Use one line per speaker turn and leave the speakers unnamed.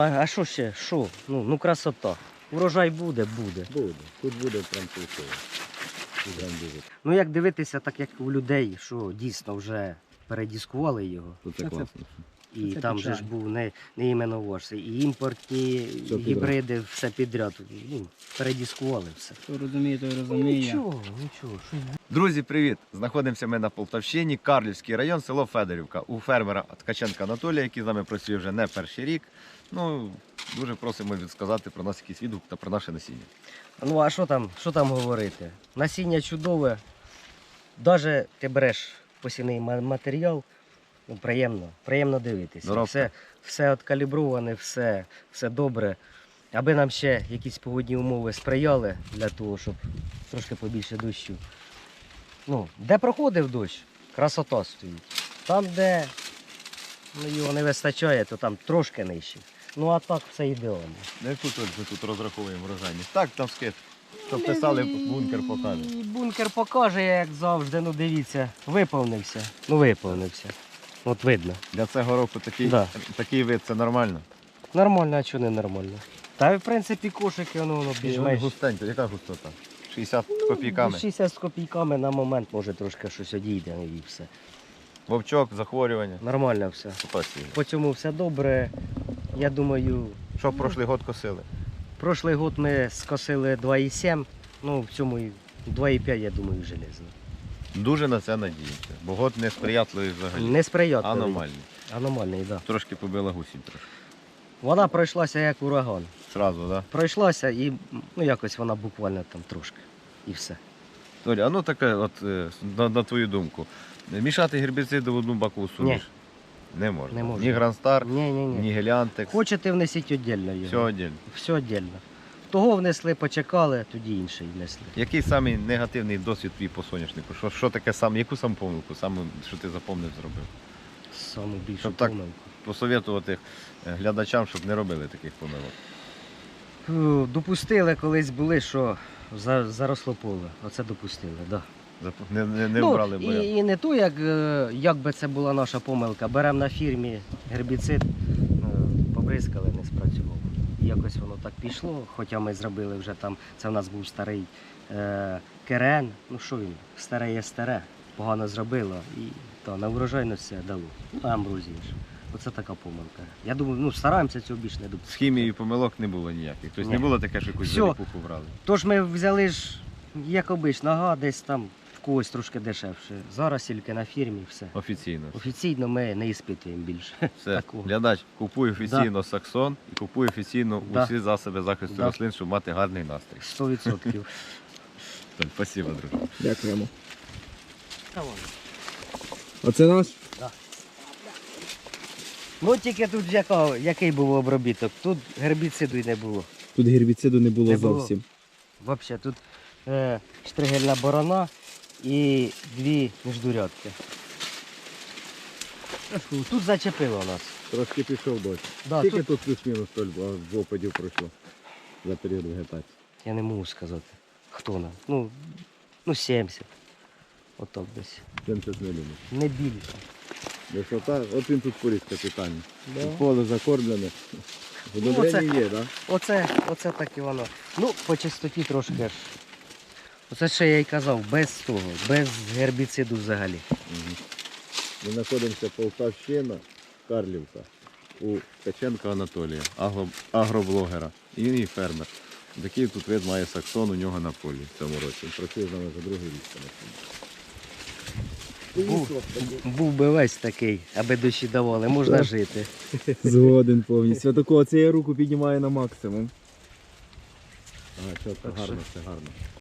А що ще? Що? Ну красота. Урожай буде.
Буде. Тут буде прям пусто.
Ну як дивитися, так як у людей, що дійсно вже передіскували його.
Тут це класно.
І
Це
там же ж був не іменно ваш, і імпортні,
Все
і гібриди, все підряд. Ну, передіскували все.
Хто розуміє, той розуміє.
Нічого. Що
Друзі, привіт! Знаходимося ми на Полтавщині, Карлівський район, село Федорівка. У фермера Ткаченка Анатолія, який з нами працює вже не перший рік. Ну, дуже просимо відсказати про нас якийсь відгук та про наше насіння.
Ну а що там говорити? Насіння чудове. Навіть ти береш посівний матеріал, ну, приємно дивитися.
Доробка.
Все откаліброване, все добре. Аби нам ще якісь погодні умови сприяли для того, щоб трошки побільше дощу. Ну, де проходив дощ, красота стоїть. Там, де його не вистачає, то там трошки нижче. Ну а так все ідеально.
Не тут розраховуємо врожайність. Так, там скид. Що писали, бункер покаже.
І бункер покаже, як завжди. Ну дивіться, виповнився. От видно.
Для цього року
Да.
такий вид це нормально.
Нормально, а чого не нормально? Та в принципі кошики, воно більш-менш.
Густенько, яка густота? 60 копійками.
60 з копійками на момент може трошки щось одійде і все.
Вовчок, захворювання.
Нормально все.
Спасибо.
По цьому все добре. Я думаю,
Що прошлий год косили?
прошлий год ми скосили 2,7, ну в цьому і 2,5, я думаю, железно.
Дуже на це надіємося, бо год несприятливий взагалі.
Несприятливий.
Аномальний.
Аномальний, так. Да.
Трошки побила гусінь трошки.
Вона пройшлася як ураган.
Зразу, так?
Пройшлася і ну, якось вона буквально там трошки. І все.
Толя, а ну таке, от на твою думку, мішати гербіциди в одну бакову суміш? Не можна.
Не можна.
Ні Грандстар,
Ні.
ні Геліантекс.
Хочете внесіть віддільно його.
Все отдельно.
Все віддільно. Того внесли, почекали, тоді інший внесли.
Який самий негативний досвід твій по соняшнику? Що таке саме, яку саму помилку, що ти запомнив, зробив?
Саму більшу
Щоб так-
помилку.
Посоветувати глядачам, щоб не робили таких помилок.
Допустили колись були, що заросло поле. Оце допустили, так. Да.
Не вбрали бурян.
І не то, як би це була наша помилка. Беремо на фірмі гербіцид, побризкали, не спрацював. І якось воно так пішло, хоча ми зробили вже там, це в нас був старий керен, ну що він, старе є старе, погано зробило і то на врожайності дало. Ну, амброзія ж. Оце така помилка. Я думаю, стараємося цього більше не допустити.
З хімією помилок не було ніяких. Тобто
Ні.
не було таке, що якусь
Всьо.
заліпуху брали.
Тож ми взяли ж, як обично, десь там в когось трошки дешевше. Зараз тільки на фірмі все.
Офіційно.
Офіційно ми не іспитуємо більше.
Все.
Такого.
Глядач, купуй офіційно Саксон і купуй офіційно
Да.
усі засоби захисту
Да.
рослин, щоб мати гарний настрій.
100%.
Так, спасибо, друже.
Дякуємо.
Та ладно.
Оце наш?
Ну тільки тут який був обробіток, тут гербіциду й не було.
Тут гербіциду не було
Не було.
зовсім.
Взагалі тут штригельна борона і 2 міждурядки. Тут зачепило нас.
Трошки пішов дощ.
Да,
Скільки
тут...
тут плюс-мінус в опадів пройшло за період вегетації?
Я не можу сказати, хто нам. Ну 70. Отак десь.
70 мм.
Не більше.
Висота, от він тут поріг капітальний.
Да.
Поле закормлене. Удобрення є, так?
Оце так і воно. Ну, по чистоті трошки ж. Оце ще я й казав, без того, без гербіциду взагалі.
Ми знаходимося Полтавщина, Карлівка, у Ткаченка Анатолія, агроблогера. І він і фермер. Такий тут вид має Саксон у нього на полі в цьому році. Він працює з нами за другий рік.
Був би весь такий, аби дощі давали, можна жити.
Згоден повністю. Такого це я руку піднімаю на максимум.
Ага, чітко, гарно, все гарно.